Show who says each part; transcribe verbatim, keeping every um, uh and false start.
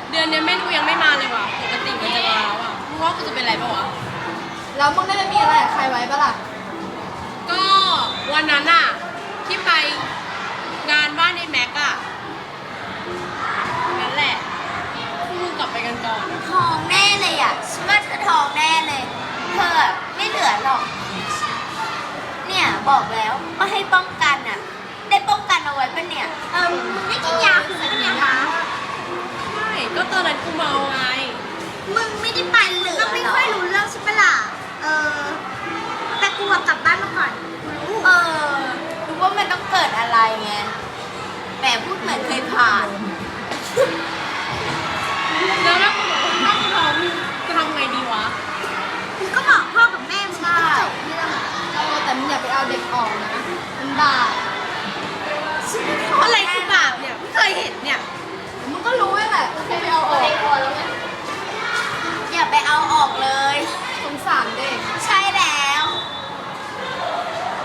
Speaker 1: เดือนนี้แม่นูยังไม่มาเลยว่ะปกติมันจะมาแล้วอ่ะมึงว่ากูจะเป็นไรปะวะ
Speaker 2: แล้วมึงได้ไปมีอะไรกับใครไว้ปะล่ะ
Speaker 1: ก็วันนั้นอ่ะที่ไปงานบ้านในแม็กอะนั่นแหละพวกมึงกลับไปกันก่อนอะ
Speaker 3: ทองแน่เลยอ่ะฉันว่าเธอทองแน่เลย เธออะไม่เหลือหรอก เนี่ยบอกแล้วว่าให้ป้องกันอ่ะ ได้ป้องกันเอาไว้ปะเนี่ย เออมึงไม่กินยาคุมกันเนี่ยคะ
Speaker 1: ใช่ก็ตอนนั้นกูเมาไง
Speaker 3: มึงไม่ได้ไปเหลือก็ไม่ค่อยรู้เรื่องใช่ปะล่ะ เออ แต่กูกลับบ้านมาก่อนเออรู้ว่ามันต้องเกิดอะไรไงแหมพูดเหมือนเคยผ่าน
Speaker 1: แล้วถ้ากูบอกว่าถ้ากูท้องจะทำไงดีวะ
Speaker 3: มึงก็บอกพ่อกับแม่มึงก็จบเรื่อง
Speaker 2: เออแต่มึงอย่าไปเอาเด็กออกนะ มันบาป
Speaker 1: อะไรคือบาปเนี่ยไม่เคยเห็นเนี่ย
Speaker 2: มึงก็รู้แหละแค่ไปเอาออก
Speaker 3: อย่าไปเอาออกเลย